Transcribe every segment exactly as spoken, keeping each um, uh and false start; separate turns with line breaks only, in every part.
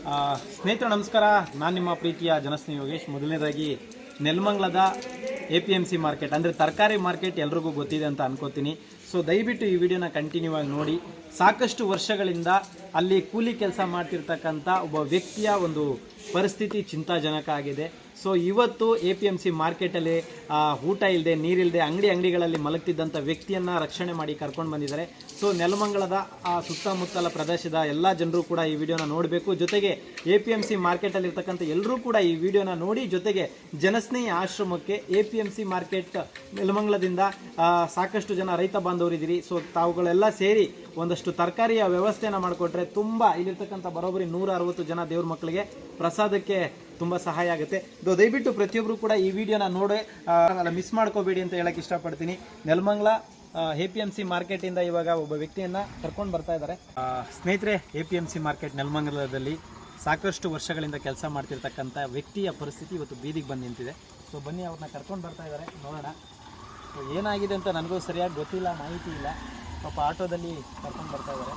ಸ್ನೇಹಿತರು ನಮಸ್ಕಾರ, ನಾನು ನಿಮ್ಮ ಪ್ರೀತಿಯ ಜನಸ್ನೇಹಿ ಯೋಗೇಶ್. ಮೊದಲನೇದಾಗಿ ನೆಲಮಂಗಲದ A P M C market ಅಂದರೆ ತರಕಾರಿ ಮಾರ್ಕೆಟ್ ಎಲ್ರಿಗೂ ಗೊತ್ತಿದೆ ಅಂತ ಅನ್ಕೋತೀನಿ. ಸೊ ದಯವಿಟ್ಟು ಈ ವಿಡಿಯೋನ ಕಂಟಿನ್ಯೂ ಆಗಿ ನೋಡಿ. ಸಾಕಷ್ಟು ವರ್ಷಗಳಿಂದ ಅಲ್ಲಿ ಕೂಲಿ ಕೆಲಸ ಮಾಡ್ತಿರ್ತಕ್ಕಂಥ ಒಬ್ಬ ವ್ಯಕ್ತಿಯ ಒಂದು ಪರಿಸ್ಥಿತಿ ಚಿಂತಾಜನಕ ಆಗಿದೆ. ಸೊ ಇವತ್ತು ಎ ಪಿ ಎಮ್ ಸಿ ಮಾರ್ಕೆಟಲ್ಲಿ ಊಟ ಇಲ್ಲದೆ ನೀರಿಲ್ಲದೆ ಅಂಗಡಿ ಅಂಗಡಿಗಳಲ್ಲಿ ಮಲಗ್ತಿದ್ದಂಥ ವ್ಯಕ್ತಿಯನ್ನು ರಕ್ಷಣೆ ಮಾಡಿ ಕರ್ಕೊಂಡು ಬಂದಿದ್ದಾರೆ. ಸೊ ನೆಲಮಂಗಲದ ಆ ಸುತ್ತಮುತ್ತಲ ಪ್ರದೇಶದ ಎಲ್ಲ ಜನರು ಕೂಡ ಈ ವಿಡಿಯೋನ ನೋಡಬೇಕು. ಜೊತೆಗೆ ಎ ಪಿ ಎಮ್ ಸಿ ಮಾರ್ಕೆಟಲ್ಲಿರ್ತಕ್ಕಂಥ ಎಲ್ಲರೂ ಕೂಡ ಈ ವಿಡಿಯೋನ ನೋಡಿ, ಜೊತೆಗೆ ಜನಸ್ನೇಹಿ ಆಶ್ರಮಕ್ಕೆ A P M C market ನೆಲಮಂಗಲದಿಂದ ಸಾಕಷ್ಟು ಜನ ರೈತ ಬಾಂಧವರಿದ್ದೀರಿ. ಸೊ ತಾವುಗಳೆಲ್ಲ ಸೇರಿ ಒಂದಷ್ಟು ತರಕಾರಿಯ ವ್ಯವಸ್ಥೆಯನ್ನು ಮಾಡಿಕೊಟ್ರೆ ತುಂಬ ಇಲ್ಲಿರ್ತಕ್ಕಂಥ ಬರೋಬ್ಬರಿ ನೂರ ಅರವತ್ತು ಜನ ದೇವ್ರ ಮಕ್ಕಳಿಗೆ ಪ್ರಸಾದಕ್ಕೆ ತುಂಬ ಸಹಾಯ ಆಗುತ್ತೆ. ದಯವಿಟ್ಟು ಪ್ರತಿಯೊಬ್ಬರು ಕೂಡ ಈ ವಿಡಿಯೋನ ನೋಡಿ ಮಿಸ್ ಮಾಡ್ಕೋಬೇಡಿ ಅಂತ ಹೇಳಕ್ಕೆ ಇಷ್ಟಪಡ್ತೀನಿ. Nelamangala A P M C ಮಾರ್ಕೆಟಿಂದ ಇವಾಗ ಒಬ್ಬ ವ್ಯಕ್ತಿಯನ್ನು ಕರ್ಕೊಂಡು ಬರ್ತಾ ಇದ್ದಾರೆ. ಸ್ನೇಹಿತರೆ, A P M C market ನೆಲಮಂಗಲದಲ್ಲಿ ಸಾಕಷ್ಟು ವರ್ಷಗಳಿಂದ ಕೆಲಸ ಮಾಡ್ತಿರ್ತಕ್ಕಂಥ ವ್ಯಕ್ತಿಯ ಪರಿಸ್ಥಿತಿ ಇವತ್ತು ಬೀದಿಗೆ ಬಂದು ನಿಂತಿದೆ. ಸೊ ಬನ್ನಿ, ಅವ್ರನ್ನ ಕರ್ಕೊಂಡು ಬರ್ತಾ ಇದ್ದಾರೆ, ನೋಡೋಣ. ಸೊ ಏನಾಗಿದೆ ಅಂತ ನನಗೂ ಸರಿಯಾಗಿ ಗೊತ್ತಿಲ್ಲ, ಮಾಹಿತಿ ಇಲ್ಲ. ಪಾಪ ಆಟೋದಲ್ಲಿ ಕರ್ಕೊಂಡು ಬರ್ತಾ ಇದ್ದಾರೆ.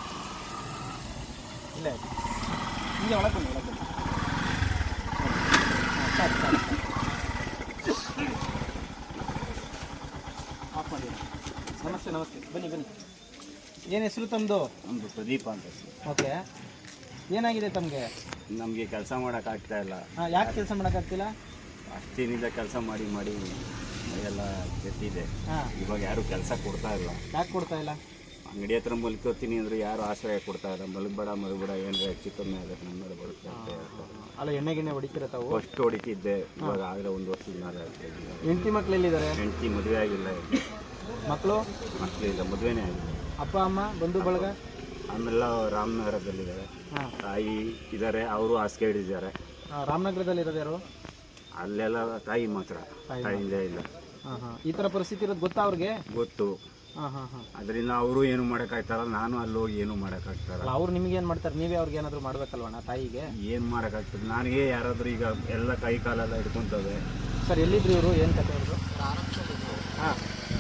ಇಲ್ಲ ಹೀಗೆ ಒಳಗೆ ಬನ್ನಿ, ಒಳಗೆ ಬನ್ನಿ. ಸಾಕು ಸಾಕು ಆಫ್ ಮಾಡಿ. ನಮಸ್ತೆ ನಮಸ್ತೆ, ಬನ್ನಿ ಬನ್ನಿ. ಏನು ಹೆಸರು ತಮ್ಮದು?
ನಮ್ಮದು ಪ್ರದೀಪ ಅಂತ.
ಓಕೆ, ಏನಾಗಿದೆ ತಮಗೆ?
ನಮಗೆ ಕೆಲಸ ಮಾಡೋಕ್ಕಾಗ್ತಾ ಇಲ್ಲ.
ಹಾಂ, ಯಾಕೆ ಕೆಲಸ ಮಾಡೋಕ್ಕಾಗ್ತಿಲ್ಲ?
ಅಷ್ಟಿನಿಂದ ಕೆಲಸ ಮಾಡಿ ಮಾಡಿ ಎಲ್ಲ ಕೆಟ್ಟಿದೆ.
ಹಾಂ,
ಇವಾಗ ಯಾರು ಕೆಲಸ ಕೊಡ್ತಾ ಇಲ್ಲ.
ಯಾಕೆ ಕೊಡ್ತಾ ಇಲ್ಲ?
ಅಂಗಡಿ ಹತ್ರ ಮಲ್ಕೋತೀನಿ ಅಂದರೆ ಯಾರು ಆಶ್ರಯ ಕೊಡ್ತಾ ಇಲ್ಲ. ಮಲಗಬೇಡ ಮಲಗಬೇಡ, ಏನಾರ ಹೆಚ್ಚು ಕಮ್ಮಿ ಆಗುತ್ತೆ ನಮ್ಮ ಮೇಲೆ ಬರುತ್ತೆ ಅಂತ ಹೇಳ್ತಾರೆ.
ಅಲ್ಲ, ಎಣ್ಣೆ ಗಿಣ್ಣೆ ಹೊಡಿತೀರ ತಾವು?
ಫಸ್ಟ್ ಹೊಡಿತಿದ್ದೆ, ಇವಾಗ ಆಗಲೇ ಒಂದು ವರ್ಷದ ಮೇಲೆ ಆಗ್ತದೆ.
ಹೆಂಡತಿ ಮಕ್ಳು ಎಲ್ಲಿದ್ದಾರೆ?
ಹೆಂಡತಿ ಮದುವೆ ಆಗಿಲ್ಲ,
ಮಕ್ಕಳು
ಮಕ್ಕಳಿಲ್ಲ, ಮದುವೆನೇ ಆಗಿಲ್ಲ.
ಅಪ್ಪ ಅಮ್ಮ ಬಂಧು ಬಳಗ
ಆಮೇಲೆ ರಾಮನಗರದಲ್ಲಿದ್ದಾರೆ.
ಹಾಂ,
ತಾಯಿ ಇದ್ದಾರೆ, ಅವರು ಹಾಸಿಗೆ ಹಿಡಿದಿದ್ದಾರೆ.
ರಾಮನಗರದಲ್ಲಿ ಇರೋದು ಯಾರು?
ಅಲ್ಲೆಲ್ಲ ತಾಯಿ ಮಾತ್ರ, ತಾಯಿಯಿಂದ ಇಲ್ಲ.
ಹಾಂ ಹಾಂ, ಈ ಥರ ಪರಿಸ್ಥಿತಿ ಇರೋದು ಗೊತ್ತಾ ಅವ್ರಿಗೆ?
ಗೊತ್ತು.
ಹಾಂ ಹಾಂ ಹಾಂ.
ಅದರಿಂದ ಅವರು ಏನು ಮಾಡೋಕ್ಕಾಗ್ತಾರಲ್ಲ, ನಾನು ಅಲ್ಲಿ ಹೋಗಿ ಏನು ಮಾಡೋಕ್ಕಾಗ್ತಾರಲ್ಲ.
ಅವ್ರು ನಿಮ್ಗೆ ಏನು ಮಾಡ್ತಾರೆ? ನೀವೇ ಅವ್ರಿಗೆ ಏನಾದರೂ ಮಾಡ್ಬೇಕಲ್ವಣ್ಣ ತಾಯಿಗೆ?
ಏನು ಮಾಡೋಕ್ಕಾಗ್ತದೆ? ನನಗೆ ಯಾರಾದರೂ ಈಗ ಎಲ್ಲ ಕೈ ಕಾಲೆಲ್ಲ ಹಿಡ್ಕೊತವೆ.
ಸರ್, ಎಲ್ಲಿದ್ರು ಇವರು? ಏನು ಕತೆ ಅವ್ರದ್ದು? ಹಾಂ,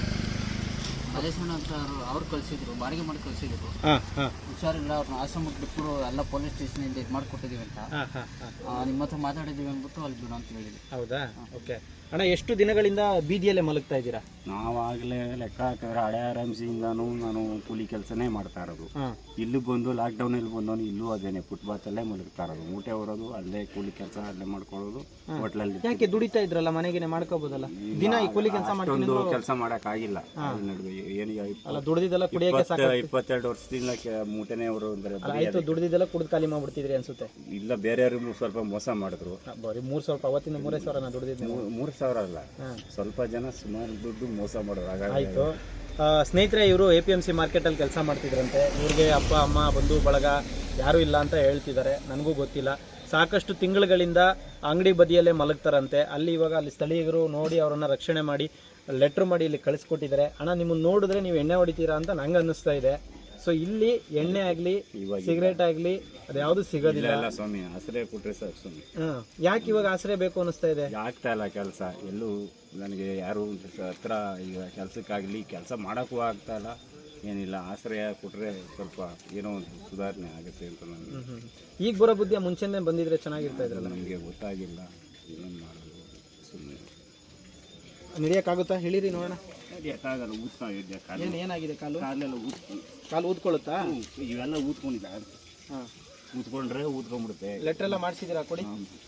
ಮಲೇಶಣ್ಣ ಅಂತ ಅವ್ರು ಕಳಿಸಿದ್ರು, ಬಾಡಿಗೆ ಮಾಡಿ ಕಳಿಸಿದ್ರು.
ಹಾಂ ಹಾಂ,
ಹುಷಾರಿಲ್ಲ, ಅವ್ರನ್ನ ಆಶ್ರಮಕ್ಕೆ ಬಿಟ್ಟು ಎಲ್ಲ ಪೊಲೀಸ್ ಸ್ಟೇಷನಿಂದ ಇದು ಮಾಡಿಕೊಟ್ಟಿದ್ದೀವಿ ಅಂತ.
ಹಾಂ ಹಾಂ,
ನಿಮ್ಮ ಹತ್ರ ಮಾತಾಡಿದ್ದೀವಿ ಅಂದ್ಬಿಟ್ಟು ಅಲ್ಲಿ ಬಿಡು ಅಂತ ಹೇಳಿದ್ವಿ.
ಹೌದಾ? ಓಕೆ ಅಣ್ಣ, ಎಷ್ಟು ದಿನಗಳಿಂದ ಬೀದಿಯಲ್ಲೇ ಮಲಗ್ತಾ ಇದ್ದೀರಾ?
ನಾವಾಗಲೇ ಲೆಕ್ಕ ಹಾಕಿದ್ರೆ ಹಳೆ ಆರ್ ಎಮ್ ಸಿಯಿಂದನೂ ನಾನು ಕೂಲಿ ಕೆಲಸನೇ ಮಾಡ್ತಾ ಇರೋದು. ಇಲ್ಲಿ ಬಂದು ಲಾಕ್ಡೌನಲ್ಲಿ ಬಂದವನು ಇಲ್ಲೂ ಅದೇನೆ ಫುಟ್ಪಾತಲ್ಲೇ ಮಲಗ್ತಾ ಇರೋದು. ಮೂಟೆ ಹೊರೋದು, ಅಲ್ಲೇ ಕೂಲಿ ಕೆಲಸ ಅಲ್ಲೇ ಮಾಡ್ಕೊಳ್ಳೋದು. ಹೋಟ್ಲಲ್ಲಿ
ಯಾಕೆ ದುಡಿತಾ ಇದ್ರಲ್ಲ, ಮನೆಗೆ ಮಾಡ್ಕೋಬೋದಲ್ಲ? ದಿನ ಈ ಕೂಲಿ ಕೆಲಸ
ಅಷ್ಟೊಂದು ಕೆಲಸ ಮಾಡೋಕ್ಕಾಗಿಲ್ಲ. ಏನಿಗೆ
ದುಡ್ದಿದ್ದೆಲ್ಲ ಕುಡಿಯೋಕೆ
ಇಪ್ಪತ್ತೆರಡು ವರ್ಷದಿಂದ ಮೂಟೆನೇ ಅವರು ಅಂದ್ರೆ
ಆಯ್ತು, ದುಡ್ದಿದ್ದೆಲ್ಲ ಕುಡಿದು ಖಾಲಿ ಮಾಡ್ಬಿಡ್ತಿದ್ರಿ ಅನ್ಸುತ್ತೆ.
ಇಲ್ಲ, ಬೇರೆಯವ್ರಿಗೆ ಸ್ವಲ್ಪ ಮೋಸ ಮಾಡಿದ್ರು.
ಬರೀ ಮೂರು ಸ್ವಲ್ಪ ಅವತ್ತಿಂದ ಮೂರೇ ಸಾವಿರ ನಾ ದುಡ್ದಿದ್ದು.
ಮೂರು ಸಾವಿರ ಅಲ್ಲ, ಸ್ವಲ್ಪ ಜನ ಸುಮಾರು ದುಡ್ಡು ಮೋಸ ಮಾಡೋರು.
ಆಯಿತು ಸ್ನೇಹಿತರೆ, ಇವರು ಎ ಪಿ ಎಮ್ ಸಿ ಮಾರ್ಕೆಟಲ್ಲಿ ಕೆಲಸ ಮಾಡ್ತಿದ್ರಂತೆ. ಇವ್ರಿಗೆ ಅಪ್ಪ ಅಮ್ಮ ಬಂಧು ಬಳಗ ಯಾರೂ ಇಲ್ಲ ಅಂತ ಹೇಳ್ತಿದ್ದಾರೆ, ನನಗೂ ಗೊತ್ತಿಲ್ಲ. ಸಾಕಷ್ಟು ತಿಂಗಳುಗಳಿಂದ ಅಂಗಡಿ ಬದಿಯಲ್ಲೇ ಮಲಗ್ತಾರಂತೆ. ಅಲ್ಲಿ ಇವಾಗ ಅಲ್ಲಿ ಸ್ಥಳೀಯರು ನೋಡಿ ಅವರನ್ನು ರಕ್ಷಣೆ ಮಾಡಿ ಲೆಟ್ರ್ ಮಾಡಿ ಇಲ್ಲಿ ಕಳಿಸ್ಕೊಟ್ಟಿದ್ದಾರೆ. ಅಣ್ಣ, ನಿಮ್ಮನ್ನು ನೋಡಿದ್ರೆ ನೀವು ಎಣ್ಣೆ ಹೊಡಿತೀರಾ ಅಂತ ನಂಗೆ ಅನ್ನಿಸ್ತಾ ಇದೆ. ಸೊ ಇಲ್ಲಿ ಎಣ್ಣೆ ಆಗಲಿ ಸಿಗರೇಟ್ ಆಗಲಿ ಅದು ಯಾವುದು ಸಿಗೋದಿಲ್ಲ.
ಸ್ವಾಮಿ, ಆಶ್ರಯ ಕೊಟ್ಟರೆ ಸಾಕು ಸ್ವಾಮಿ.
ಹಾಂ, ಯಾಕೆ ಇವಾಗ ಆಶ್ರಯ ಬೇಕು ಅನ್ನಿಸ್ತಾ ಇದೆ?
ಆಗ್ತಾ ಇಲ್ಲ ಕೆಲಸ ಎಲ್ಲೂ. ನನಗೆ ಯಾರು ಹತ್ರ ಈಗ ಕೆಲಸಕ್ಕಾಗಲಿ ಕೆಲಸ ಮಾಡೋಕ್ಕೂ ಆಗ್ತಾ ಇಲ್ಲ, ಏನಿಲ್ಲ. ಆಶ್ರಯ ಕೊಟ್ಟರೆ ಸ್ವಲ್ಪ ಏನೋ ಒಂದು ಸುಧಾರಣೆ ಆಗುತ್ತೆ ಅಂತ ನಾನು.
ಈಗ ಬರೋ ಬುದ್ಧಿಯ ಮುಂಚೆನೇ ಬಂದಿದ್ರೆ ಚೆನ್ನಾಗಿರ್ತಾ ಇದ್ರಲ್ಲ.
ನಮಗೆ ಗೊತ್ತಾಗಿಲ್ಲ, ಏನು ಮಾಡೋದು. ಸುಮ್ಮನೆ
ನಡೆಯೋಕ್ಕಾಗುತ್ತಾ? ಹೇಳಿರಿ ನೋಡೋಣ.
ನಡೆಯೋಕ್ಕಾಗಲ್ಲ, ಊದ್ತಾ ಇದ್ದೆ.
ಏನು ಏನಾಗಿದೆ? ಕಾಲು
ಕಾಲೆಲ್ಲ ಊದ್ಕೊಂಡು,
ಕಾಲು ಊದ್ಕೊಳ್ಳುತ್ತಾ?
ಇವೆಲ್ಲ ಊದ್ಕೊಂಡಿದ್ದ.
ಹಾಂ,
ಊದ್ಕೊಂಡ್ರೆ ಊದ್ಕೊಂಡ್ಬಿಡುತ್ತೆ.
ಲೆಟ್ರ್ ಎಲ್ಲ ಮಾಡಿಸಿದ್ದೀರಾ? ಕೊಡಿ.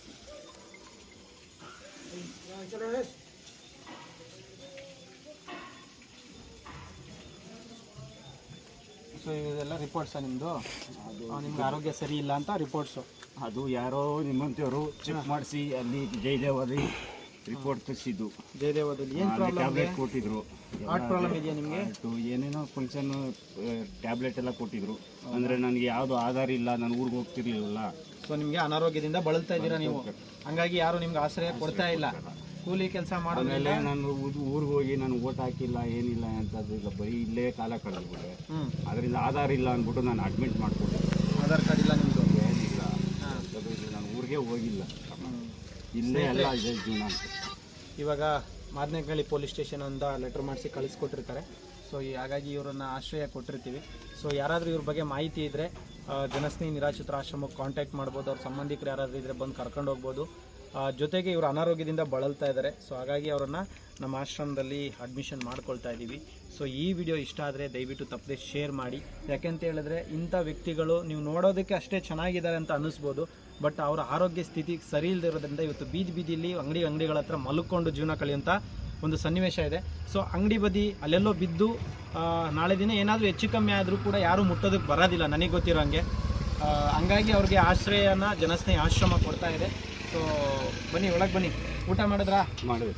ಸೊ ಇದೆಲ್ಲ ರಿಪೋರ್ಟ್ಸಾ ನಿಮ್ಮದು? ನಿಮ್ಗೆ ಆರೋಗ್ಯ ಸರಿ ಇಲ್ಲ ಅಂತ ರಿಪೋರ್ಟ್ಸು?
ಅದು ಯಾರೋ ನಿಮ್ಮಂಥವ್ರು ಚೆಕ್ ಮಾಡಿಸಿ ಅಲ್ಲಿ ಜಯದೇವಲ್ಲಿ ರಿಪೋರ್ಟ್ ತರಿಸಿದ್ದು.
ಜಯದೇವದಲ್ಲಿ ಏನು ಪ್ರಾಬ್ಲಮ್?
ಟ್ಯಾಬ್ಲೆಟ್ ಕೊಟ್ಟಿದ್ರು.
ಹಾರ್ಟ್ ಪ್ರಾಬ್ಲಮ್ ಇದೆಯಾ ನಿಮಗೆ?
ಏನೇನೋ ಫಂಕ್ಷನ್ ಟ್ಯಾಬ್ಲೆಟ್ ಎಲ್ಲ ಕೊಟ್ಟಿದ್ರು. ಅಂದರೆ ನನಗೆ ಯಾವುದು ಆಧಾರ ಇಲ್ಲ, ನಾನು ಊರಿಗೆ ಹೋಗ್ತಿರ್ಲಿಲ್ಲ.
ಸೊ ನಿಮಗೆ ಅನಾರೋಗ್ಯದಿಂದ ಬಳಲ್ತಾ ಇದ್ದೀರಾ ನೀವು, ಹಂಗಾಗಿ ಯಾರು ನಿಮ್ಗೆ ಆಶ್ರಯ ಕೊಡ್ತಾ ಇಲ್ಲ. ಕೂಲಿ ಕೆಲಸ ಮಾಡೋದ್ಮೇಲೆ
ನಾನು ಊರಿಗೆ ಹೋಗಿ ನಾನು ಓಟ್ ಹಾಕಿಲ್ಲ, ಏನಿಲ್ಲ ಅಂತದ್ದು ಇಲ್ಲ, ಬರೀ ಇಲ್ಲೇ ಕಾಲ ಕಳೆದ್ಬಿಟ್ಟೆ. ಅದರಿಂದ ಆಧಾರ ಇಲ್ಲ ಅಂದ್ಬಿಟ್ಟು ನಾನು ಅಡ್ಮಿಟ್ ಮಾಡಿಕೊಟ್ಟೆ.
ಆಧಾರ್ ಕಾರ್ಡ್ ಇಲ್ಲ ನಿಮ್ಮದು?
ಏನಿಲ್ಲ, ನಾನು ಊರಿಗೆ ಹೋಗಿಲ್ಲ, ಇಲ್ಲೇ ಎಲ್ಲ ಇದೆ ಜೀವನ ಅಂತ.
ಇವಾಗ ಮಾದನಹಳ್ಳಿ ಪೊಲೀಸ್ ಸ್ಟೇಷನ್ ಅಂತ ಲೆಟ್ರ್ ಮಾಡಿಸಿ ಕಳಿಸ್ಕೊಟ್ಟಿರ್ತಾರೆ. ಸೊ ಹಾಗಾಗಿ ಇವರನ್ನು ಆಶ್ರಯ ಕೊಟ್ಟಿರ್ತೀವಿ. ಸೊ ಯಾರಾದರೂ ಇವ್ರ ಬಗ್ಗೆ ಮಾಹಿತಿ ಇದ್ದರೆ ಆ, ಜನಸ್ನೇಹಿ ನಿರಾಶ್ರಿತರ ಆಶ್ರಮಕ್ಕೆ ಕಾಂಟ್ಯಾಕ್ಟ್ ಮಾಡ್ಬೋದು. ಅವ್ರ ಸಂಬಂಧಿಕರು ಯಾರಾದರೂ ಇದ್ದರೆ ಬಂದು ಕರ್ಕೊಂಡು ಹೋಗ್ಬೋದು. ಆ, ಜೊತೆಗೆ ಇವರು ಅನಾರೋಗ್ಯದಿಂದ ಬಳಲ್ತಾ ಇದ್ದಾರೆ. ಸೊ ಹಾಗಾಗಿ ಅವರನ್ನು ನಮ್ಮ ಆಶ್ರಮದಲ್ಲಿ ಅಡ್ಮಿಷನ್ ಮಾಡ್ಕೊಳ್ತಾ ಇದ್ದೀವಿ. ಸೊ ಈ ವಿಡಿಯೋ ಇಷ್ಟ ಆದರೆ ದಯವಿಟ್ಟು ತಪ್ಪದೆ ಶೇರ್ ಮಾಡಿ. ಯಾಕೆಂತ ಹೇಳಿದ್ರೆ ಇಂಥ ವ್ಯಕ್ತಿಗಳು ನೀವು ನೋಡೋದಕ್ಕೆ ಅಷ್ಟೇ ಚೆನ್ನಾಗಿದ್ದಾರೆ ಅಂತ ಅನ್ನಿಸ್ಬೋದು, ಬಟ್ ಅವರ ಆರೋಗ್ಯ ಸ್ಥಿತಿ ಸರಿ ಇಲ್ಲದೆ ಇರೋದ್ರಿಂದ ಇವತ್ತು ಬೀದಿ ಬೀದಿಲಿ ಅಂಗಡಿ ಅಂಗಡಿಗಳ ಹತ್ರ ಮಲ್ಕೊಂಡು ಜೀವನ ಕಳೆಯುವಂಥ ಒಂದು ಸನ್ನಿವೇಶ ಇದೆ. ಸೊ ಅಂಗಡಿ ಬದಿ ಅಲ್ಲೆಲ್ಲೋ ಬಿದ್ದು ಆ, ನಾಳೆ ದಿನ ಏನಾದರೂ ಹೆಚ್ಚು ಕಮ್ಮಿ ಆದರೂ ಕೂಡ ಯಾರೂ ಮುಟ್ಟೋದಕ್ಕೆ ಬರೋದಿಲ್ಲ ನನಗೆ ಗೊತ್ತಿರೋ ಹಂಗೆ. ಆ, ಹಂಗಾಗಿ ಅವ್ರಿಗೆ ಆಶ್ರಯನ ಜನಸ್ನೇಹಿ ಆಶ್ರಮ ಕೊಡ್ತಾ ಇದೆ. ಸೊ ಬನ್ನಿ ಒಳಗೆ ಬನ್ನಿ. ಊಟ ಮಾಡಿದ್ರಾ?
ಮಾಡಿದೆ.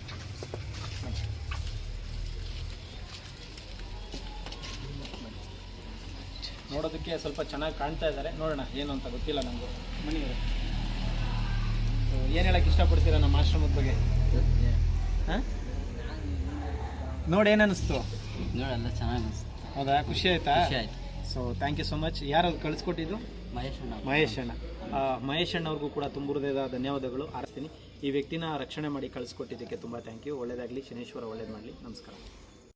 ನೋಡೋದಕ್ಕೆ ಸ್ವಲ್ಪ ಚೆನ್ನಾಗಿ ಕಾಣ್ತಾ ಇದ್ದಾರೆ. ನೋಡೋಣ ಏನು ಅಂತ ಗೊತ್ತಿಲ್ಲ ನನಗೂ. ಬನ್ನಿ ಏನು ಹೇಳಕ್ಕೆ ಇಷ್ಟಪಡ್ತೀರಾ ನಮ್ಮ ಆಶ್ರಮದ ಬಗ್ಗೆ? ಹಾಂ ನೋಡಿ ಏನು ಅನ್ನಿಸ್ತು?
ನೋಡಲ್ಲ ಚೆನ್ನಾಗಿ ಅನಿಸ್ತು.
ಹೌದಾ? ಖುಷಿ ಆಯ್ತಾ?
ಖುಷಿ ಆಯ್ತು.
So thank you so much. ಯಾರು ಕಳಿಸ್ಕೊಟ್ಟಿದ್ದು?
ಮಹೇಶ್ ಅಣ್ಣ.
ಮಹೇಶ್ ಅಣ್ಣ. ಆ, ಮಹೇಶ್ ಅಣ್ಣವ್ರಿಗೂ ಕೂಡ ತುಂಬ ಹೃದಯದ ಧನ್ಯವಾದಗಳು ಆರಿಸ್ತೀನಿ. ಈ ವ್ಯಕ್ತಿನ ರಕ್ಷಣೆ ಮಾಡಿ ಕಳಿಸ್ಕೊಟ್ಟಿದ್ದಕ್ಕೆ ತುಂಬ ಥ್ಯಾಂಕ್ ಯು. ಒಳ್ಳೆಯದಾಗಲಿ, ಶನೇಶ್ವರ ಒಳ್ಳೇದು ಮಾಡಲಿ. ನಮಸ್ಕಾರ.